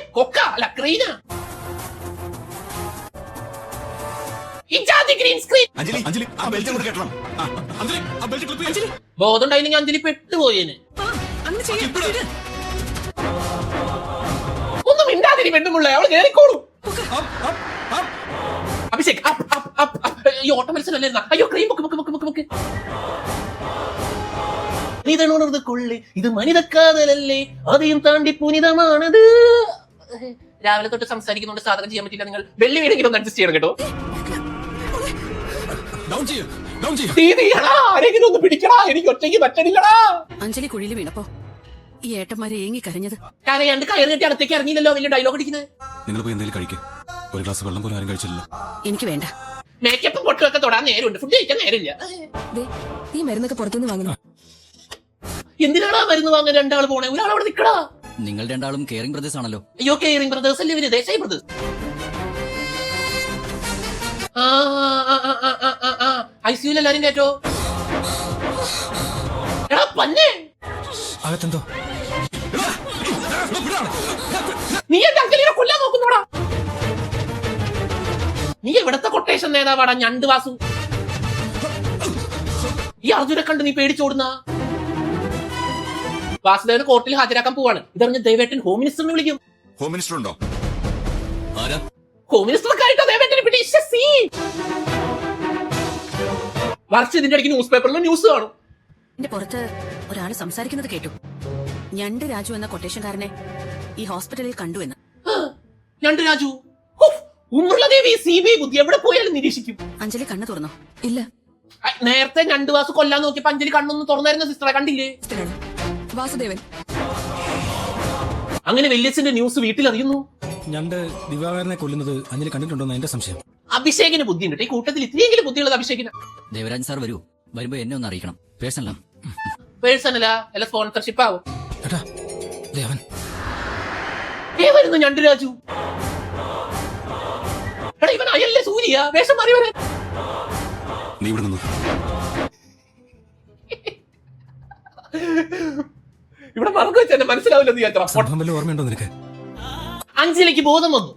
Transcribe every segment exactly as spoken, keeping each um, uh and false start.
കൊക്ക അല്ല ക്രീന. Green screen. ബോധം ഉണ്ടായില്ലെങ്കിൽ അഞ്ജലി പെട്ടുപോയേന്. ഒന്നും മിണ്ടാതിരി പെണ്ണുമുള്ള അവള് കേറിക്കോളൂ. അഭിഷേക് ഈ ഓട്ട മത്സരമല്ലായിരുന്ന? അയ്യോ ക്രീം മുക്ക് മുക്ക് മുക്ക് മുക്ക് മുക്ക്. നീതണുണർന്ന് കൊള്ളി ഇത് മനിതക്കാതലല്ലേ അതെയും താണ്ടി പുനിതമാണത്. രാവിലെ തൊട്ട് സംസാരിക്കുന്നോണ്ട് സാധകം ചെയ്യാൻ പറ്റില്ല. നിങ്ങൾ വെള്ളി വീടെങ്കിലും ഒന്ന് അഡ്ജസ്റ്റ് ചെയ്യണം കേട്ടോ. ആരെങ്കിലും ഒന്ന് പിടിക്കടാ, എനിക്ക് ഒറ്റയ്ക്ക് പറ്റണില്ലടാ. അഞ്ജലി കുഴിയിൽ വീണപ്പോ ഈ ഏട്ടന്മാരെ ഏങ്ങി കരഞ്ഞത് കരയാണ്ട് കയറി കെട്ടി അടുത്തേക്ക് ഇറങ്ങിയില്ലല്ലോ. വലിയ ഡയലോഗ് അടിക്കുന്നത്. നിങ്ങൾ പോയി എന്തെങ്കിലും കഴിക്കും. ഒരു ഗ്ലാസ് വെള്ളം പോലും ആരും കഴിച്ചില്ല. എനിക്ക് വേണ്ട. മേക്കപ്പും പൊട്ടുമൊക്കെ തൊടാൻ നേരമുണ്ട്, ഫുഡ് കഴിക്കാൻ നേരമില്ല. ഈ മരുന്നൊക്കെ പുറത്തുനിന്ന് വാങ്ങണം. എന്തിനാണാ മരുന്ന് വാങ്ങാൻ രണ്ടാൾ പോണേ? ഒരാൾ അവിടെ നിൽക്കടാ. നിങ്ങൾ രണ്ടാളും കെയറിംഗ് ബ്രദേഴ്സ് ആണല്ലോ. അയ്യോ കെയറിംഗ് ബ്രദേഴ്സ് അല്ലേ ഇവര്, ദേശായി ബ്രദേഴ്സ്. ഐസിയുൽ എല്ലാരും കേട്ടോ. എടാ പന്നെ അകത്തെന്തോ നീ എന്റെ അങ്കലിനെ കൊല്ലാൻ നോക്കുന്നോടാ. നീ എവിടത്തെ കൊട്ടേഷൻ നേതാവാടാ ഞണ്ട് വാസു? ഈ അർജുനെ കണ്ട് നീ പേടിച്ചോടുന്ന. വാസുദേവന് കോർട്ടിൽ ഹാജരാക്കാൻ പോവാണ്. ഇതറിഞ്ഞ ദേവേട്ടൻ ഹോം മിനിസ്റ്ററിനെ വിളിക്കും. ഹോം മിനിസ്റ്റർ ഉണ്ടോ? ഹോം മിനിസ്റ്റർ ആയിട്ടോ ദേവേട്ടനെ പിടി. വർഷം ഇതിന്റെ ഇടയ്ക്ക് ന്യൂസ് പേപ്പറിൽ ന്യൂസ് കാണും. എന്റെ പുറത്ത് ഒരാൾ സംസാരിക്കുന്നത് കേട്ടു. ഞണ്ട് രാജു എന്ന കൊട്ടേഷൻകാരനെ ഈ ഹോസ്പിറ്റലിൽ കണ്ടു എന്ന്. ഞണ്ട് രാജു ഉമ്മുള്ളദേവി സി ബി ഐ ബുദ്ധി എവിടെ പോയാലും നിരീക്ഷിക്കും. അഞ്ജലി കണ്ണു തുറന്നോ? ഇല്ല. നേരത്തെ ഞണ്ട് വാസു കൊല്ലാൻ നോക്കിയപ്പോ അഞ്ജലി കണ്ണൊന്നും തുറന്നായിരുന്ന സിസ്റ്ററെ കണ്ടില്ലേ? വാസുദേവൻ. അങ്ങനെ വല്യച്ഛന്റെ ന്യൂസ് വീട്ടിൽ അറിയുന്നു. ഞണ്ട് ദിവാകരനെ കൊല്ലുന്നത് അഞ്ജലി കണ്ടിട്ടുണ്ടോന്ന് എന്റെ സംശയം. അഭിഷേകിന് ബുദ്ധിയുണ്ട്. ഈ കൂട്ടത്തിൽ ഇത്രയെങ്കിലും ബുദ്ധിയുള്ളത് അഭിഷേകിന്. ദേവരാജ് സാർ വരൂ, വരുമ്പോ എന്നെ ഒന്ന് അറിയിക്കണം. പേഴ്സണലാ പേഴ്സണലാ അല്ല സ്പോൺസർഷിപ്പ് ആവും. ദേവൻ ഏ വരുന്നു ഞണ്ട് രാജു. എടാ ഇവൻ അയല്ലേ സൂര്യ വേഷം മാറി വരാൻ. നീ ഇവിടെ നിന്നു. ഇവിടെ മറന്നു വെച്ച് എന്നെ മനസ്സിലാവില്ല. നീ എത്ര ഓർമ്മയുണ്ടോ നിനക്ക്? അഞ്ജലിക്ക് ബോധം വന്നു.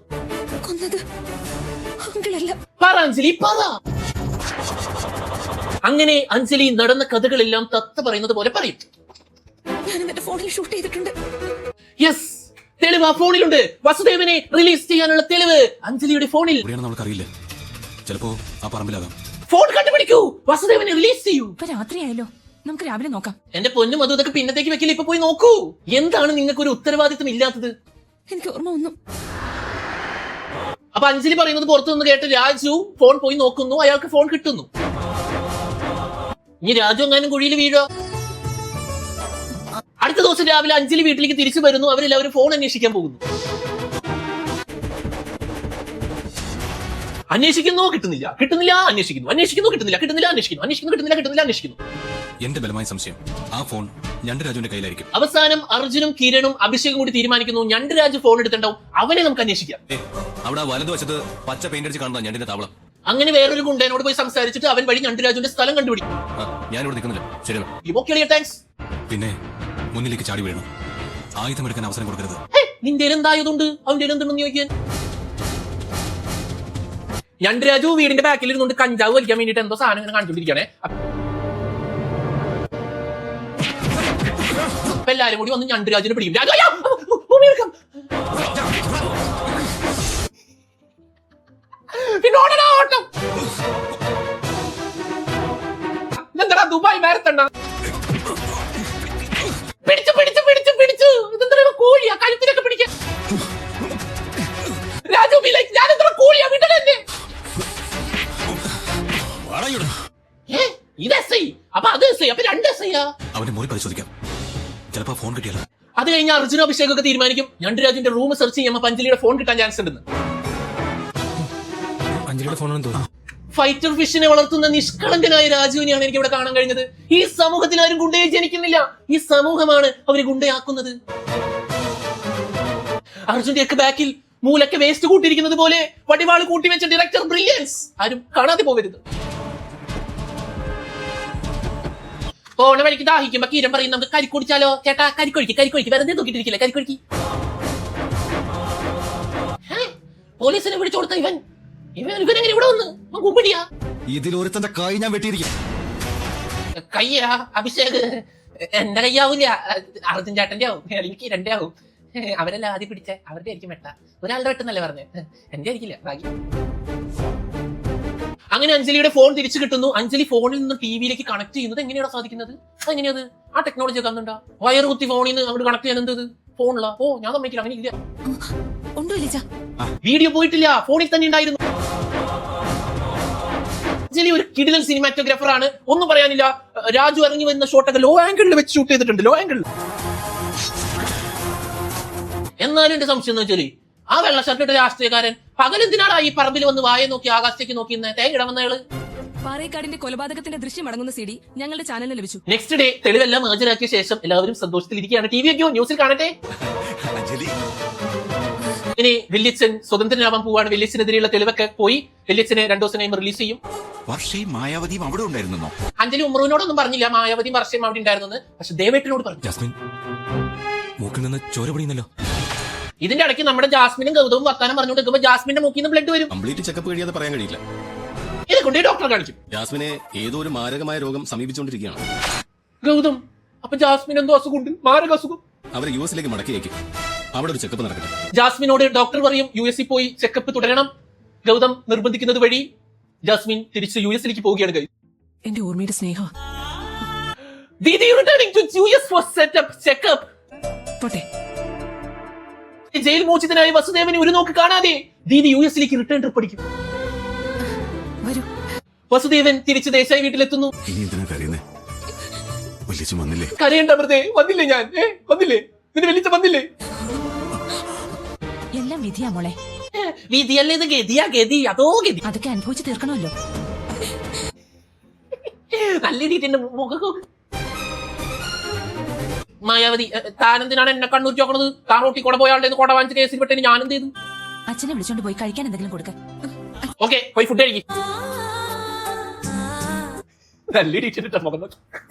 പറ അഞ്ജലി പറ. അങ്ങനെ അഞ്ജലി നടന്ന കഥകളെല്ലാം തത്ത പറയുന്നത് പോലെ പറയും. ഫോണിൽ ഷൂട്ട് ചെയ്തിട്ടുണ്ട്. യെസ്, തെളിവ് ആ ഫോണിലുണ്ട്. വസുദേവനെ റിലീസ് ചെയ്യാനുള്ള തെളിവ് അഞ്ജലിയുടെ ഫോണിൽ. നമുക്കറിയില്ല, ചിലപ്പോ ആ പറമ്പിലാകാം. ഫോൺ കണ്ടുപിടിക്കൂ, വസുദേവനെ റിലീസ് ചെയ്യൂ. ഇപ്പൊ രാത്രിയായല്ലോ, നമുക്ക് രാവിലെ നോക്കാം. എന്റെ പൊന്നും അതും ഇതൊക്കെ പിന്നത്തേക്ക് വെക്കില്ല, ഇപ്പൊ പോയി നോക്കൂ. എന്താണ് നിങ്ങൾക്ക് ഒരു ഉത്തരവാദിത്വം ഇല്ലാത്തത്? എനിക്ക് ഓർമ്മ ഒന്നും. അപ്പൊ അഞ്ജലി പറയുന്നത് പുറത്തു നിന്ന് കേട്ട് രാജു ഫോൺ പോയി നോക്കുന്നു. അയാൾക്ക് ഫോൺ കിട്ടുന്നു. ഇനി രാജു എങ്ങാനും കുഴിയിൽ വീഴോ? അടുത്ത ദിവസം രാവിലെ അഞ്ജലി വീട്ടിലേക്ക് തിരിച്ചു വരുന്നു. അവരെല്ലാവരും ഫോൺ അന്വേഷിക്കാൻ പോകുന്നു. അന്വേഷിക്കുന്നു, കിട്ടുന്നില്ല, കിട്ടുന്നില്ല, അന്വേഷിക്കുന്നു, അന്വേഷിക്കുന്നു, കിട്ടുന്നില്ല, കിട്ടുന്നില്ല, അന്വേഷിക്കുന്നു, അന്വേഷിക്കുന്നു, കിട്ടുന്നില്ല, കിട്ടുന്നില്ല, അന്വേഷിക്കുന്നു. എന്റെ ബലമായ സംശയം ആ ഫോൺ ഞണ്ട് രാജുവിന്റെ കയ്യിലായിരിക്കും. അവസാനം അർജുനും കിരണും അഭിഷേകും കൂടി തീരുമാനിക്കുന്നു ഞണ്ട് രാജു ഫോൺ എടുത്തിട്ടുണ്ടാവും, അവനെ നമുക്ക് അന്വേഷിക്കാം. അവിടെ വലതുവശത്ത് പച്ച പെയിന്റ് അടിച്ച് കാണുന്ന ഞണ്ടിന്റെ താവളം. അങ്ങനെ വേറൊരു ഗുണ്ടനോട് പോയി സംസാരിച്ചിട്ട് അവൻ വഴി ഞണ്ട് രാജുവിന്റെ സ്ഥലം കണ്ടുപിടിക്കും. ഞാനിവിടെ നിൽക്കുന്നില്ല. ശരി, താങ്ക്സ്. പിന്നെ മുന്നിലേക്ക് ചാടി വീഴണം. ആയുധം എടുക്കാൻ അവസരം കൊടുക്കരുത്. നിന്റെ എന്തായതുകൊണ്ട് അവന്റെ എന്തുണ്ടെന്ന് ചോദിക്കാൻ. ഞണ്ട് രാജു വീടിന്റെ ബാക്കിൽ ഇരുന്നുകൊണ്ട് കഞ്ചാവ് വലിക്കാൻ വേണ്ടിട്ട് എന്തോ സാധനം ഇങ്ങനെ കാണിച്ചോണ്ടിരിക്കണേ. അപ്പൊ എല്ലാരും കൂടി വന്ന് ഞണ്ട് രാജുവിനെ പിടിക്കും. പിന്നോടനാ ഓട്ടം. ഇതെന്താ ദുബായ് മാരത്തണ്ണ? പിടിച്ചു പിടിച്ചു പിടിച്ചു പിടിച്ചു. ഇതെന്താ കോഴിയാ കഴുത്തിലൊക്കെ പിടിക്കാൻ? രാജു ഞാൻ എത്ര കോഴിയാ വിടലെന്നെ. ഇത് എസ് ഐ, അപ്പൊ അത് എസ് ഐ, അപ്പൊ രണ്ട് എസ് ഐയാ. അവന്റെ മുറി പരിശോധിക്കാം, ചിലപ്പോ ഫോൺ കിട്ടിയാലോ. അത് കഴിഞ്ഞ അർജുന അഭിഷേകൊക്കെ തീരുമാനിക്കും ഞണ്ട് രാജുവിന്റെ റൂം സെർച്ച് ചെയ്യുമ്പോൾ അഞ്ജലിയുടെ ഫോൺ കിട്ടാൻ ചാൻസ് ഉണ്ടെന്ന്. അഞ്ജലിയുടെ ഫോണാണെന്ന് തോന്നുന്നു. ഫൈറ്റർ ഫിഷിനെ വളർത്തുന്ന നിഷ്കളങ്കനായ രാജുവിനെയാണ് എനിക്ക് ഇവിടെ കാണാൻ കഴിഞ്ഞത്. ഈ സമൂഹത്തിൽ ആരും ഗുണ്ടയെ ജനിക്കുന്നില്ല, ഈ സമൂഹമാണ് അവര് ഗുണ്ടയാക്കുന്നത്. അർജുന്റെ ഒക്കെ ബാക്കിൽ മൂലൊക്കെ വേസ്റ്റ് കൂട്ടിയിരിക്കുന്നത് പോലെ വടിവാള് കൂട്ടി വെച്ച ഡയറക്ടർ ബ്രില്യൻസ് ആരും കാണാതെ പോകരുത്. പോണ വഴിക്ക് ദാഹിക്കുമ്പോ കീരം പറയും നമുക്ക് കരിക്കൊടിച്ചാലോ ചേട്ടാ. കരിക്കൊഴിക്ക് കരിക്കൊഴിക്ക് വെറുതെ നോക്കിട്ടിരിക്കില്ല, കരിക്കൊഴിക്ക്. പോലീസിനെ വിളിച്ചു കൊടുത്ത ഇവൻ ഇവൻ ഇവനെങ്ങനെ ഇവിടെ വന്ന് കൂപ്പിടിയാ ഇതിലൊരുത്തന്റെ കൈ ഞാൻ വെട്ടിയിരിക്കും. കയ്യാ അഭിഷേക് എന്റെ കയ്യാവൂല അർജുൻ ചേട്ടന്റെ ആവും എനിക്ക് രണ്ടേ ആവും. അവരെല്ലാം ആദ്യം പിടിച്ച അവരുടെ ആയിരിക്കും വെട്ട. ഒരാളുടെ വെട്ടെന്നല്ലേ പറഞ്ഞ്, എന്റെ ആയിരിക്കില്ല ബാക്കി. അങ്ങനെ അഞ്ജലിയുടെ ഫോൺ തിരിച്ചു കിട്ടുന്നു. അഞ്ജലി ഫോണിൽ നിന്ന് ടി വിയിലേക്ക് കണക്ട് ചെയ്യുന്നത് എങ്ങനെയാണ് സാധിക്കുന്നത്? അതെങ്ങനെയത്? ആ ടെക്നോളജി ഒക്കെ അന്നുണ്ടാ വയർ കുത്തി ഫോണിൽ നിന്ന് അങ്ങോട്ട് കണക്ട് ചെയ്യാൻ എന്തത് ഫോണിലാ? ഓ ഞാൻ സമ്മതിക്കില്ല, അങ്ങനെ ഇല്ല. ഉണ്ടോ ഇല്ല വീഡിയോ പോയിട്ടില്ല, ഫോണിൽ തന്നെ ഉണ്ടായിരുന്നു. അഞ്ജലി ഒരു കിടിലൻ സിനിമാറ്റോഗ്രാഫർ ആണ്, ഒന്നും പറയാനില്ല. രാജു ഇറങ്ങി വരുന്ന ഷോട്ടൊക്കെ ലോ ആംഗിളിൽ വെച്ച് ഷൂട്ട് ചെയ്തിട്ടുണ്ട്, ലോ ആംഗിളിൽ. എന്നാലും എന്റെ സംശയം എന്ന് വെച്ചാല് ആ വെള്ള ഷർട്ടിട്ട രാഷ്ട്രീയക്കാരൻ പകലെന്തിനാടാ ഈ പറമ്പിൽ വന്ന് വായ നോക്കി ആകാശത്തേക്ക് നോക്കി തേങ്ങിട വന്നയാള്? പാറേക്കാടിന്റെ കൊലപാതകത്തിന്റെ ദൃശ്യം അടങ്ങുന്ന സി ഡി ഞങ്ങളുടെ ചാനലിൽ ലഭിച്ചു. നെക്സ്റ്റ് ഡേ തെളിവെല്ലാം ഹാജരാക്കിയ ശേഷം എല്ലാവരും സന്തോഷത്തിലിരിക്കുകയാണ്. ടി വി ഒക്കെയോ ന്യൂസിൽ കാണട്ടെ. ഇനി വല്യച്ഛൻ സ്വതന്ത്രനാവാൻ പോവാണ്. വല്യച്ഛനെതിരെയുള്ള തെളിവൊക്കെ പോയി. വല്യച്ഛനെ രണ്ടു ദിവസം കഴിയുമ്പോൾ റിലീസ് ചെയ്യും. വർഷയും മായാവതിയും അവിടെ ഉണ്ടായിരുന്നോ? അഞ്ജലി ഉമ്മറിനോടൊന്നും പറഞ്ഞില്ല മായാവതിയും വർഷയും അവിടെ ഉണ്ടായിരുന്നു. പക്ഷെ ദേവേട്ടനോട് പറഞ്ഞു. ജാസ്മിൻ മൂക്കിൽ നിന്ന് ചോര പൊടിയുന്നല്ലോ. ഇതിന്റെ ഇടയ്ക്ക് നമ്മുടെ ജാസ്മിനും ഗൗതവും വർത്താനം പറഞ്ഞുകൊണ്ട് നിൽക്കുമ്പോൾ ജാസ്മിന്റെ മൂക്കിൽ നിന്ന് ബ്ലഡ് വരും. കംപ്ലീറ്റ് ചെക്കപ്പ് കഴിയാതെ പറയാൻ കഴിയില്ല. ഇതെ കൊണ്ട് ഡോക്ടറെ കാണിക്കും. ജാസ്മിനെ ഏതോ ഒരു മാരകമായ രോഗം സമീപിച്ചുകൊണ്ടിരിക്കുകയാണ്. ഗൗതം അപ്പൊ ജാസ്മിൻ എന്തോ അസുഖമുണ്ട്, മാരക അസുഖം. അവരെ യു എസിലേക്ക് മടക്കിയേക്കും. അവിടെ ഒരു ചെക്കപ്പ് നടക്കട്ടെ. ജാസ്മിനോട് ഡോക്ടർ പറയും യു എസിൽ പോയി ചെക്കപ്പ് തുടരണം. ഗൗതം നിർബന്ധിക്കുന്നത് വഴി ജാസ്മിൻ തിരിച്ച് യു എസിലേക്ക് പോവുകയാണ്. ഗൈസ് എന്റെ ഓർമ്മയുടെ സ്നേഹം Didi returning to U S for setup checkup. പോട്ടെ. ജയിൽ മോചിതനായ വസുദേവനെ ഒരു നോക്ക് കാണാതെ ദീദി യു എസിലേക്ക് റിട്ടേൺ ട്രിപ്പ് അടിക്കും. വരൂ. വസുദേവൻ തിരിച്ച് ദേശായി വീട്ടിലെത്തുന്നു. ഇനി എന്തിനാ കരയുന്നേ? വലിച്ചു വന്നില്ലേ? കരയേണ്ട വെറുതെ. വന്നില്ലേ ഞാൻ? ഏ വന്നില്ലേ? നിന്റെ വലിച്ച വന്നില്ലേ? എല്ലാം വിധിയാ മോളെ. വിധിയല്ലേ ഇത്? ഗതിയാ ഗതി, അതോ ഗതി. അതൊക്കെ അനുഭവിച്ച് തീർക്കണമല്ലോ. നല്ല രീതിന്റെ മുഖം. മായാവതി താനെന്തിനാണ് എന്നെ കണ്ണൂർ ചോക്കണത്? താൻ റോട്ടി കൂടെ പോയാളുടെ കൊട വാങ്ങിച്ച കേസിൽ പെട്ടെന്ന് ഞാൻ എന്ത് ചെയ്തു? അച്ഛനെ വിളിച്ചോണ്ട് പോയി കഴിക്കാൻ എന്തെങ്കിലും കൊടുക്ക. ഓക്കെ പോയി ഫുഡ് കഴിക്കും. നല്ല രീതിന്റെ മുഖം.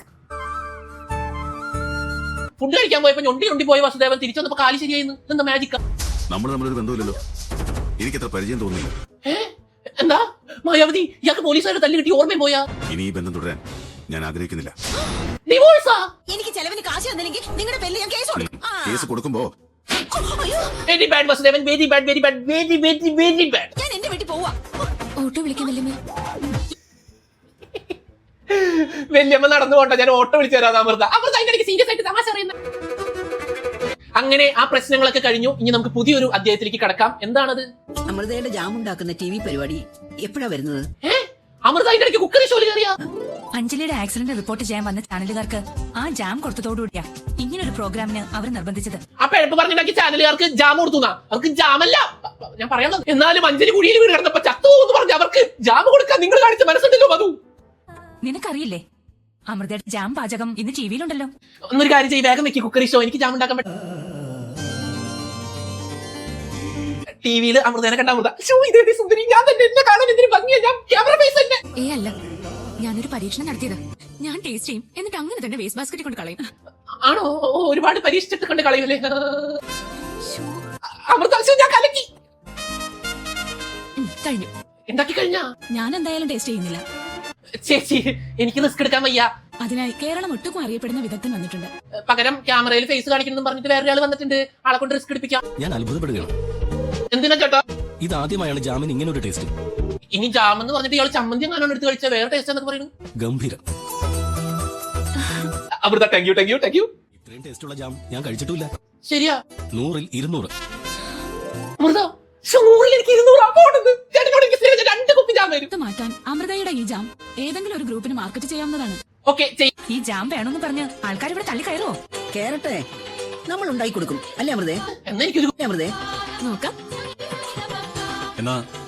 ഫുഡ് കഴിക്കാൻ പോയപ്പോ ഞൊണ്ടി ഞൊണ്ടി പോയ വസുദേവൻ തിരിച്ചു വന്നപ്പോ കാലി ശരിയായിരുന്നു. എന്താ മാജിക്ക? നമ്മൾ തമ്മിലൊരു ബന്ധമില്ലല്ലോ, എനിക്കത്ര പരിചയം തോന്നുന്നില്ല. എന്താ മായാവതി ഇയാൾക്ക് പോലീസുകാരുടെ തല്ലി കിട്ടി ഓർമ്മയും പോയാ? ഇനി ഈ ബന്ധം തുടരാൻ ഞാൻ ആഗ്രഹിക്കുന്നില്ല. ഡിവോഴ്സാ? എനിക്ക് ചെലവിന് കാശ് തന്നില്ലെങ്കിൽ നിങ്ങളുടെ പേരിൽ ഞാൻ കേസ് കൊടുക്കും. കേസ് കൊടുക്കുമ്പോ very bad Vasudevan, very bad, very bad, very very very bad. ഞാൻ എന്റെ വീട്ടിൽ പോവാ. ഓട്ടോ വിളിക്കുന്നില്ലേ? വല്യമ്മ നടന്നു പോണ്ട, ഞാൻ ഓട്ടോ വിളിച്ചു തരാം. അമൃത അമൃത അതിന്റെ ഇടയ്ക്ക് സീരിയസ് ആയിട്ട് തമാശ അറിയുന്നത്. അങ്ങനെ ആ പ്രശ്നങ്ങളൊക്കെ കഴിഞ്ഞു. ഇനി നമുക്ക് പുതിയൊരു അധ്യായത്തിലേക്ക് കടക്കാം. എന്താണത്? അമൃതയുടെ ജാം ഉണ്ടാക്കുന്ന ടി വി പരിപാടി എപ്പോഴാ വരുന്നത്? ഏഹ് അമൃത അതിന്റെ ഇടയ്ക്ക് കുക്കറി ഷോയിൽ കയറിയാ? അഞ്ജലിയുടെ ആക്സിഡന്റ് റിപ്പോർട്ട് ചെയ്യാൻ വന്ന ചാനലുകാർക്ക് ആ ജാം കൊടുത്തതോടുകൂടിയാ ഇങ്ങനൊരു പ്രോഗ്രാമിന് അവർ നിർബന്ധിച്ചത്. അപ്പൊ എളുപ്പം പറഞ്ഞിട്ടുണ്ടാക്കി ചാനലുകാർക്ക് ജാം കൊടുത്തുന്നാ? അവർക്ക് ജാമല്ല ഞാൻ പറയാനുള്ളത്. എന്നാലും അഞ്ജലി കുഴിയിൽ വീട് കിടന്നപ്പോ ചത്തു എന്ന് പറഞ്ഞ് അവർക്ക് ജാം കൊടുക്കാൻ നിങ്ങൾ കാണിച്ച മനസ്സുണ്ടല്ലോ മധു. നിനക്കറിയില്ലേ അമൃതയുടെ ജാം പാചകം ഇന്ന് ടി വിയിലുണ്ടല്ലോ. ഒന്നൊരു കാര്യം ചെയ്യ്, വേഗം വെക്കി കുക്കറി ഷോ. എനിക്ക് ജാം ഉണ്ടാക്കാൻ പറ്റും. ടി വിയിൽ അമൃതനെ കണ്ട അമൃത ഇതേ സുന്ദരി, ഞാൻ തന്നെ എന്നെ കാണാൻ എന്തിനു ഭംഗിയാ, ഞാൻ ക്യാമറ ഫേസ് തന്നെ. ഏ അല്ല, ഞാനൊരു പരീക്ഷണം നടത്തിയത്. ഞാൻ ടേസ്റ്റ് ചെയ്യും, എന്നിട്ട് അങ്ങനെ തന്നെ വേസ്റ്റ് ബാസ്ക്കറ്റിൽ കൊണ്ട് കളയും. ആണോ? ഒരുപാട് പരീക്ഷിച്ചിട്ട് കണ്ട് കളയൂലേ അമൃത? ഞാൻ കലക്കി. കഴിഞ്ഞു. എന്താക്കി കഴിഞ്ഞാ? ഞാൻ എന്തായാലും ടേസ്റ്റ് ചെയ്യുന്നില്ല. ചേച്ചി എനിക്ക് റിസ്ക് എടുക്കാൻ വയ്യ. അതിനായി കേരളം ഒട്ടുക്കും അറിയപ്പെടുന്ന വിദഗ്ധൻ വന്നിട്ടുണ്ട്. പകരം ക്യാമറയിൽ ഫേസ് കാണിക്കണം പറഞ്ഞിട്ട് വേറൊരാൾ വന്നിട്ടുണ്ട്. ആളെ കൊണ്ട് റിസ്ക് എടുപ്പിക്കാം. ഞാൻ അത്ഭുതപ്പെടുകയാണ്. എന്തിനാ ചേട്ടാ? ഇതാദ്യമായാണ് ജാമിൻ ഇങ്ങനെ ഒരു ടേസ്റ്റ്. ഇനി ജാം എന്ന് പറഞ്ഞിട്ട് ഇയാൾ ചമ്മന്തി എങ്ങാനും എടുത്ത് കഴിച്ച വേറെ ടേസ്റ്റ് എന്നൊക്കെ പറയുന്നു. ഗംഭീരം. Amrita thank you thank you thank you. ഇത്രയും ടേസ്റ്റുള്ള ജാം ഞാൻ കഴിച്ചിട്ടില്ല. ശരിയാ? നൂറിൽ ഇരുന്നൂറ്. അമൃത നൂറിൽ എനിക്ക് ഇരുന്നൂറ് പോണെന്ന് ചേട്ടനോട് എനിക്ക് സ്നേഹിച്ച രണ്ട് കുപ്പി ജാം വരും. ഇത് മാറ്റാൻ അമൃതയുടെ ഈ ജാം ഏതെങ്കിലും ഒരു ഗ്രൂപ്പിന് മാർക്കറ്റ് ചെയ്യാവുന്നതാണ്. ഓക്കെ ഈ ജാം വേണമെന്ന് പറഞ്ഞ് ആൾക്കാർ ഇവിടെ തള്ളി കയറുവോ? കേരട്ടെ, നമ്മൾ ഉണ്ടാക്കി കൊടുക്കും അല്ലേ അമൃതേ? എന്നാ എനിക്കൊരു അമൃതേ നോക്കാം. എന്നാ